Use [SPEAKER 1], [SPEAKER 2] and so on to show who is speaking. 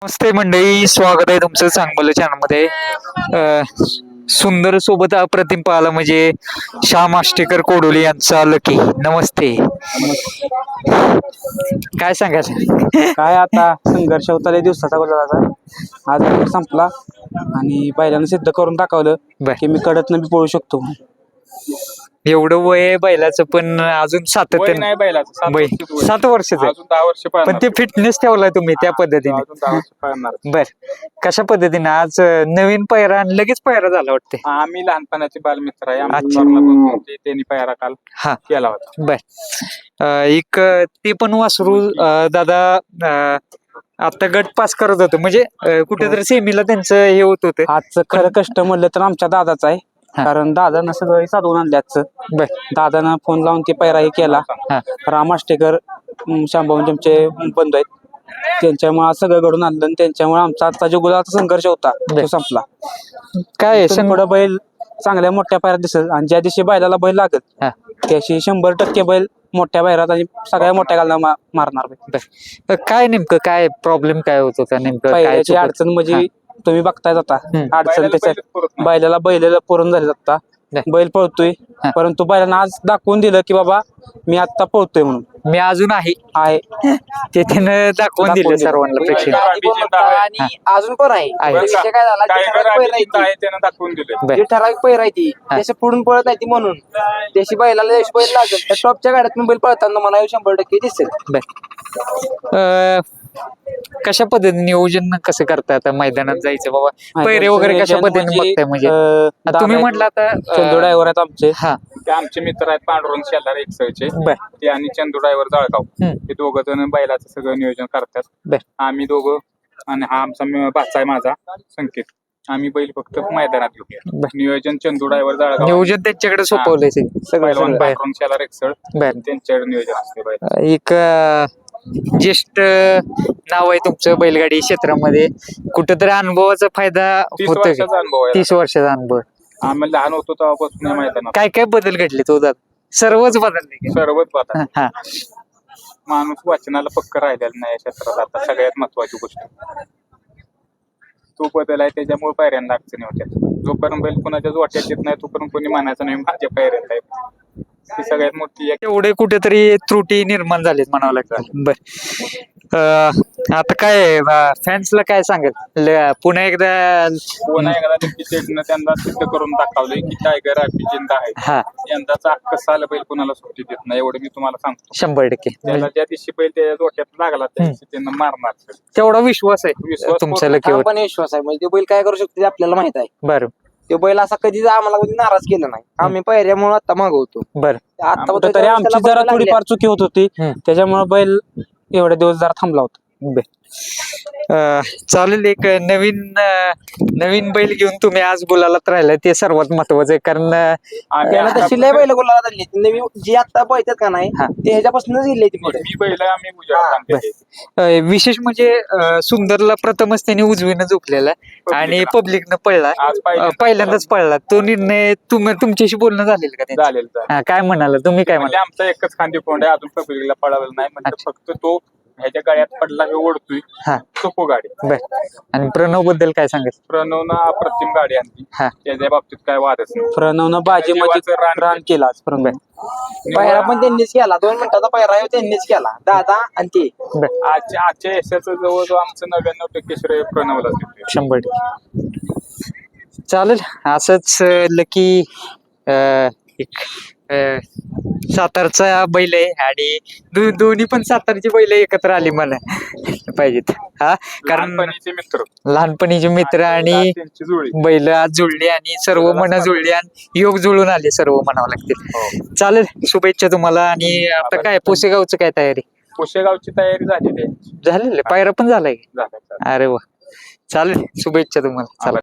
[SPEAKER 1] नमस्ते मंडळी, स्वागत आहे तुमचं चांगलं चॅनलमध्ये. सुंदर सोबत अप्रतिम पाहिला म्हणजे श्याम आष्टेकर कोडोली यांचा लकी. नमस्ते. काय सांगायचं?
[SPEAKER 2] काय आता संघर्ष होता लय दिवसाचा गुलाबाचा. आज संपला आणि पहिल्यांदा सिद्ध करून दाखवलं
[SPEAKER 1] बर.
[SPEAKER 2] की मी कडतनं बी पळू शकतो.
[SPEAKER 1] एवढं वय आहे बैलाचं पण अजून सातत्य
[SPEAKER 3] नाही बैलाचं 7
[SPEAKER 1] बै
[SPEAKER 3] वर्षाचं वय.
[SPEAKER 1] 7 वर्षाचं आहे.
[SPEAKER 3] अजून 10 वर्ष
[SPEAKER 1] पण
[SPEAKER 3] पळणार.
[SPEAKER 1] ते फिटनेस ठेवलाय तुम्ही त्या पद्धतीने.
[SPEAKER 3] अजून 10 वर्ष पळणार.
[SPEAKER 1] बर, कशा पद्धतीने आज नवीन पायरा आणि लगेच पायरा झाला वाटते?
[SPEAKER 3] आम्ही लहानपणाचे बालमित्र आहे. आम्ही
[SPEAKER 1] अच्छा.
[SPEAKER 3] थोरला भाऊ होते, त्यांनी पायरा काल
[SPEAKER 1] हा
[SPEAKER 3] केला होता.
[SPEAKER 1] बर. एक ते पण वासरू दादा आता गट पास करत होतं म्हणजे कुठेतरी सेमीला त्यांचं हे होत होतं.
[SPEAKER 2] आजचं खरं कष्ट म्हणलं तर आमच्या दादाचं आहे.
[SPEAKER 1] हा.
[SPEAKER 2] कारण दादानं सगळं साधवून आणलं आजचं.
[SPEAKER 1] बर.
[SPEAKER 2] दादानं फोन लावून ते पैराही केला.
[SPEAKER 1] हा.
[SPEAKER 2] राम आष्टेकर शांभाऊ आमचे बंधू आहेत, त्यांच्यामुळे आज सगळं घडून आणलं आणि त्यांच्यामुळे आमचा आजचा जो गुलाबाचा संघर्ष होता
[SPEAKER 1] बर.
[SPEAKER 2] तो संपला.
[SPEAKER 1] काय आहे,
[SPEAKER 2] इथून पुढं बैल चांगल्या मोठ्या पायऱ्यात दिसत आणि ज्या दिवशी बैलाला बैल लागत
[SPEAKER 1] हा.
[SPEAKER 2] त्याशी 100% बैल मोठ्या पायऱ्यात आणि सगळ्या मोठ्या गालना मारणार बैल.
[SPEAKER 1] बर. काय नेमकं काय प्रॉब्लेम काय होत होता नेमकं? काय
[SPEAKER 2] पहिल्याची
[SPEAKER 1] चुकत?
[SPEAKER 2] अडचण म्हणजे तुम्ही बघताय आता
[SPEAKER 1] हम्म.
[SPEAKER 2] अडचण
[SPEAKER 3] बैलाला
[SPEAKER 2] त्याच्या
[SPEAKER 3] बैलच पुरत नाही.
[SPEAKER 2] बैलाला बैलाला पुरून झाले आता.
[SPEAKER 1] नाही.
[SPEAKER 2] बैल पळतोय
[SPEAKER 1] हा.
[SPEAKER 2] परंतु बैलानं आज दाखवून दिलं की बाबा मी आता पळतोय म्हणून
[SPEAKER 1] मी अजून आहे
[SPEAKER 2] आहे.
[SPEAKER 1] ते त्यानं दाखवून दिलं
[SPEAKER 2] दिलं.
[SPEAKER 1] सर्वांना प्रेक्षक.
[SPEAKER 4] आणि अजून पण आहे.
[SPEAKER 1] आहे.
[SPEAKER 4] विषय काय झाला जी
[SPEAKER 3] टायगर
[SPEAKER 4] ठराविक पैर आहे ती,
[SPEAKER 3] आहे त्यानं दाखवून दिलं.
[SPEAKER 1] बर.
[SPEAKER 4] जी ठराविक पैर आहे ती
[SPEAKER 1] हा.
[SPEAKER 4] त्याच्या पुढून पळत नाही ती म्हणून त्याशी बैलाला जशी बैल लागेल त्या टॉपच्या गाड्यात बैल पळताना मला 100% दिसेल.
[SPEAKER 1] बर. कशा पद्धतीने नियोजन कसं करताय आता मैदानात जायचं बाबा? पैरे वगैरे कशा पद्धतीने बघताय म्हणजे? आता तुम्ही म्हटलं आता
[SPEAKER 2] चंदू ड्रायव्हर आहेत आमचे.
[SPEAKER 1] हा
[SPEAKER 3] ते आमचे मित्र आहेत पांडुरंग शेलार एकसळचे.
[SPEAKER 1] बर.
[SPEAKER 3] ते आणि चंदू ड्रायव्हर जळगाव.
[SPEAKER 1] हम्म.
[SPEAKER 3] ते दोघं जण बैलाचं सगळं नियोजन करतात.
[SPEAKER 1] बर.
[SPEAKER 3] आम्ही दोघं आणि हा आमचा भाचा आहे माझा संकेत. आम्ही बैल फक्त मैदानात घेऊया.
[SPEAKER 1] बर.
[SPEAKER 3] नियोजन चंदू ड्रायव्हर जळगाव.
[SPEAKER 1] नियोजन त्यांच्याकडे सोपवलंय सगळं
[SPEAKER 3] पहिलवान
[SPEAKER 1] बाहेर.
[SPEAKER 3] पांडुरंग शेलार एकसळ
[SPEAKER 1] बर.
[SPEAKER 3] त्यांच्याकडे नियोजन असते बैल.
[SPEAKER 1] एक ज्येष्ठ नाव आहे तुमचं बैलगाडी क्षेत्रामध्ये. कुठेतरी अनुभवाचा फायदा
[SPEAKER 3] 30
[SPEAKER 1] होतोय का?
[SPEAKER 3] वर्षाचा अनुभव आहे.
[SPEAKER 1] 30 वर्षाचा अनुभव.
[SPEAKER 3] आम्ही लहान होतो तेव्हापासून या मैदानात
[SPEAKER 1] काय काय बदल घडले तो दादा? सर्वच बदलले का?
[SPEAKER 3] सर्वच बघा.
[SPEAKER 1] हा
[SPEAKER 3] माणूस वाचनाला पक्क राहिलेला नाही या क्षेत्रात. आता सगळ्यात महत्वाची गोष्ट तो बदल आहे, त्याच्यामुळे पायऱ्यांना अडचणी होत्या. जोपर्यंत बैल कोणाच्या वाट्यात येत नाही तोपर्यंत कोणी म्हणायचं नाही माझ्या पायऱ्यात आहे. ती सगळ्यात मोठी एक
[SPEAKER 1] एवढे कुठेतरी त्रुटी निर्माण झालीत म्हणावं लागतं. बर. आता काय फॅन्सला काय सांगेल? पुन्हा एकदा
[SPEAKER 3] कोणा एकदा शेटनं त्यांना सिद्ध करून दाखवलंय की टायगर जिंदा आहे.
[SPEAKER 1] हा
[SPEAKER 3] यंदाचा अख्खा साल बैल कोणाला सुट्टी देत नाही, एवढं मी तुम्हाला सांगतो.
[SPEAKER 1] 100%.
[SPEAKER 3] त्याला ज्या दिवशी बैल त्याच्या डोक्यात लागला त्या दिवशी त्यांना मारणार.
[SPEAKER 1] तेवढा विश्वास आहे
[SPEAKER 3] विश्वास
[SPEAKER 1] तुमच्या
[SPEAKER 3] पूर्ण.
[SPEAKER 1] लकीवर.
[SPEAKER 4] पण विश्वास आहे म्हणजे ते बैल काय करू शकते ते आपल्याला माहित आहे.
[SPEAKER 1] बरं
[SPEAKER 4] ते बैल असा कधीच आम्हाला कधी नाराज केला नाही. आम्ही पैऱ्यामुळे आता मागवतो.
[SPEAKER 1] बरं.
[SPEAKER 4] आता
[SPEAKER 2] कुठेतरी आमची जरा थोडीफार चुकी होत होती,
[SPEAKER 1] हम्म.
[SPEAKER 2] त्याच्यामुळे बैल एवढे दिवस जरा थांबला होता.
[SPEAKER 1] बर. चालेल. एक नवीन बैल घेऊन तुम्ही आज गुलालात राहिला ते सर्वात महत्वाचं आहे. कारण
[SPEAKER 3] आम्ही
[SPEAKER 4] त्याला
[SPEAKER 3] आता-
[SPEAKER 4] तशी लय बैल गोलाला झाली नवीन जी आता पळतात का नाही
[SPEAKER 1] हा.
[SPEAKER 4] ते ह्याच्यापासूनच गेले ती पुढे.
[SPEAKER 3] मी बैल आम्ही उजाडात आणलेले.
[SPEAKER 1] विशेष म्हणजे सुंदरला प्रथमच त्यांनी उजवीनं झोपलेला आणि पब्लिकनं पळला.
[SPEAKER 3] आज
[SPEAKER 1] पहिल्यांदाच पळला तो निर्णय. तुमच्याशी बोलणं झालेलं का त्यांचं?
[SPEAKER 3] झालेलं
[SPEAKER 1] हा, काय म्हणाला तुम्ही? काय
[SPEAKER 3] म्हणजे
[SPEAKER 1] म्हणाला?
[SPEAKER 3] आमचा एकच खांदी कोंड आहे, अजून पब्लिकला पळावलं नाही. म्हणजे फक्त तो ह्याच्या गाड्यात पडला हे ओढतोय
[SPEAKER 1] हा
[SPEAKER 3] सोपो गाडी.
[SPEAKER 1] बर. आणि प्रणव बद्दल काय सांगेल?
[SPEAKER 3] प्रणवनं अप्रतिम गाडी आणली,
[SPEAKER 1] हा
[SPEAKER 3] त्याच्या बाबतीत काय वादच नाही.
[SPEAKER 2] प्रणवनं बाजीमध्ये
[SPEAKER 3] जीवाचं रान
[SPEAKER 2] रान केला आज प्रणव.
[SPEAKER 4] पायरा पण त्यांनीच केला. 2 मिनिटाचा पायरा आहे त्यांनीच केला. दादा आणि ते
[SPEAKER 1] बर.
[SPEAKER 3] आजच्या यशाचं जवळजवळ आमचं 99% श्रेय प्रणवलाच देतोय.
[SPEAKER 1] 100%. चालेल. असंच लकी एक सातारचा बैल आहे आणि दोन्ही पण सातारची बैल एकत्र आली मला पाहिजेत. हा, कारण
[SPEAKER 3] लहानपणीचे मित्र,
[SPEAKER 1] लहानपणीचे मित्र आणि
[SPEAKER 3] त्यांची जुळी.
[SPEAKER 1] बैल आज जुळली आणि सर्व मन जुळली आणि योग जुळून आले सर्व म्हणावं लागतील. चालेल. शुभेच्छा तुम्हाला. आणि आता काय पुसेगावचं काय तयारी?
[SPEAKER 3] पुशेगावची तयारी झालेली आहे.
[SPEAKER 1] झालेलं? पायरा पण झालाय?
[SPEAKER 3] झालं.
[SPEAKER 1] अरे वा. चालेल. शुभेच्छा तुम्हाला. चला.